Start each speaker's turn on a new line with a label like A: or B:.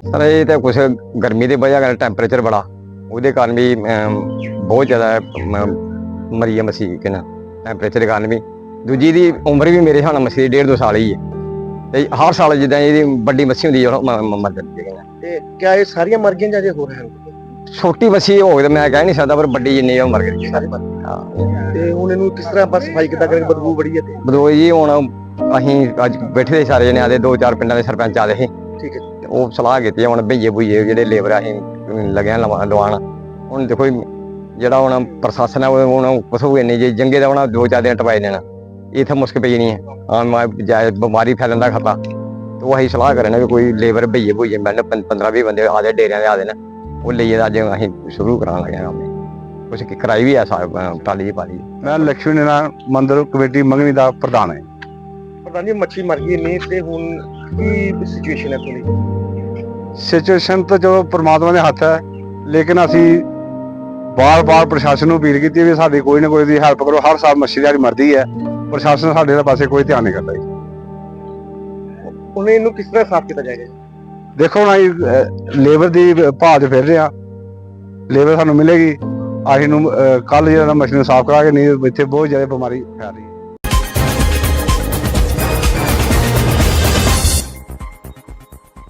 A: Sir ये तो कुछ गर्मी की वजह कारण टैंपरेचर बड़ा वो कारण भी बहुत ज़्यादा मरी है मछली के ना टैंपरेचर के कारण भी दूजी की उम्र भी मेरे हिसाब मछली 1.5-2 साल ही है ਤੇ ਹਰ ਸਾਲ ਜਿੱਦਾਂ ਇਹਦੀ ਵੱਡੀ ਮੱਛੀ ਹੁੰਦੀ ਹੈ ਮਰ ਜਾਂਦੀ ਹੈ।
B: ਤੇ ਕਿਆ ਇਹ ਸਾਰੀਆਂ ਮਰ ਗਈਆਂ ਜਾਂ ਜੇ ਹੋ ਰਹੇ ਹਨ?
A: ਛੋਟੀ ਮੱਛੀ ਹੋਵੇ ਤਾਂ ਮੈਂ ਕਹਿ ਨਹੀਂ ਸਕਦਾ ਪਰ ਵੱਡੀ ਜਿੰਨੀ ਉਹ ਮਰ ਗਈ
B: ਸਾਰੇ ਮਰ ਗਏ। ਹਾਂ ਤੇ ਹੁਣ ਇਹਨੂੰ ਕਿਸ ਤਰ੍ਹਾਂ ਆਪਾਂ ਸਫਾਈ ਕਿੱਦਾਂ ਕਰਾਂਗੇ? ਬਦਬੂ ਬੜੀ ਹੈ ਤੇ
A: ਬਦੋਈ ਜੀ ਹੁਣ ਅਸੀਂ ਅੱਜ ਬੈਠੇ ਦੇ ਸਾਰੇ ਜਣੇ ਆਦੇ 2-4 ਪਿੰਡਾਂ ਦੇ ਸਰਪੰਚ ਆਦੇ ਸੀ।
B: ਠੀਕ ਹੈ।
A: ਉਹ ਸਲਾਹ ਕੀਤੀ ਹੁਣ ਭਈਏ ਭੁਈਏ ਜਿਹੜੇ ਲੇਬਰ ਅਸੀਂ ਲੱਗਿਆ ਲਵਾਉਣ ਹੁਣ ਦੇਖੋ ਜਿਹੜਾ ਹੁਣ ਪ੍ਰਸ਼ਾਸਨ ਹੈ ਹੁਣ ਪਸ਼ੂ ਇੰਨੀ ਜੇ ਜੰਗੇ ਦਾ ਹੁਣ 2-4 ਦਿਨ ਟਪਾਏ ਦੇਣਾ ਇੱਥੇ ਮੁਸ਼ਕ ਪਈ ਨਹੀਂ ਹੈ ਬਿਮਾਰੀ ਫੈਲਣ ਦਾ ਖਤਰਾ ਤੇ ਉਹ ਅਸੀਂ ਸਲਾਹ ਕਰੇ ਨੇ ਵੀ ਕੋਈ ਲੇਬਰ ਭਈਏ ਭੁਈਏ ਮੈਨੂੰ 15-20 ਬੰਦੇ ਆਦੇ ਡੇਰਿਆਂ ਦੇ ਆਦੇ ਨੇ ਉਹ ਲਈਏ ਅੱਜ ਅਸੀਂ ਸ਼ੁਰੂ ਕਰਾਉਣ ਲੱਗੇ ਹਾਂ ਕੰਮ ਕੁਛ ਕਰਾਈ ਵੀ ਹੈ ਟਾਲੀ ਜੀ ਪਾਲੀ।
C: ਮੈਂ ਲక్ష్ਮੀ ਨਾਰਾਇਣ ਮੰਦਿਰ ਕਮੇਟੀ ਮੰਗਣੀ ਦਾ ਪ੍ਰਧਾਨ ਹਾਂ।
B: ਪ੍ਰਧਾਨ ਜੀ ਮੱਛੀ ਮਰ ਗਈ ਨਹੀਂ ਤੇ ਹੁਣ ਕੀ ਸਿਚੁਏਸ਼ਨ ਹੈ ਤੁਹਾਡੀ?
C: ਸਿਚੁਏਸ਼ਨ ਤਾਂ ਜੋ ਪ੍ਰਮਾਤਮਾ ਦੇ ਹੱਥ ਹੈ ਲੇਕਿਨ ਅਸੀਂ ਬਾਰ-ਬਾਰ ਪ੍ਰਸ਼ਾਸਨ ਨੂੰ ਅਪੀਲ ਕੀਤੀ ਵੀ ਸਾਡੀ ਕੋਈ ਨਾ ਕੋਈ ਦੀ ਹੈਲਪ ਕਰੋ। ਹਰ ਸਾਲ ਮੱਛੀ ਦੀ ਮਰਦੀ ਹੈ, ਪ੍ਰਸ਼ਾਸਨ ਸਾਡੇ ਦੇ ਪਾਸੇ ਕੋਈ ਧਿਆਨ ਨਹੀਂ ਕਰਦਾ ਜੀ।
B: ਹੁਣ ਇਹਨੂੰ ਕਿਸ ਤਰ੍ਹਾਂ ਸਾਫ਼ ਕੀਤਾ ਜਾਏਗਾ?
C: ਦੇਖੋ ਹੁਣ ਅਸੀਂ ਲੇਬਰ ਦੀ ਭਾਅ 'ਚ ਫਿਰ ਰਹੇ ਹਾਂ, ਲੇਬਰ ਸਾਨੂੰ ਮਿਲੇਗੀ। ਅਸੀਂ ਨੂੰ ਕੱਲ ਜਿਹੜਾ ਮੱਛੀ ਨੂੰ ਸਾਫ਼ ਕਰਾਂਗੇ, ਨਹੀਂ ਇੱਥੇ ਬਹੁਤ ਜ਼ਿਆਦਾ ਬਿਮਾਰੀ ਫੈਲ ਰਹੀ ਹੈ।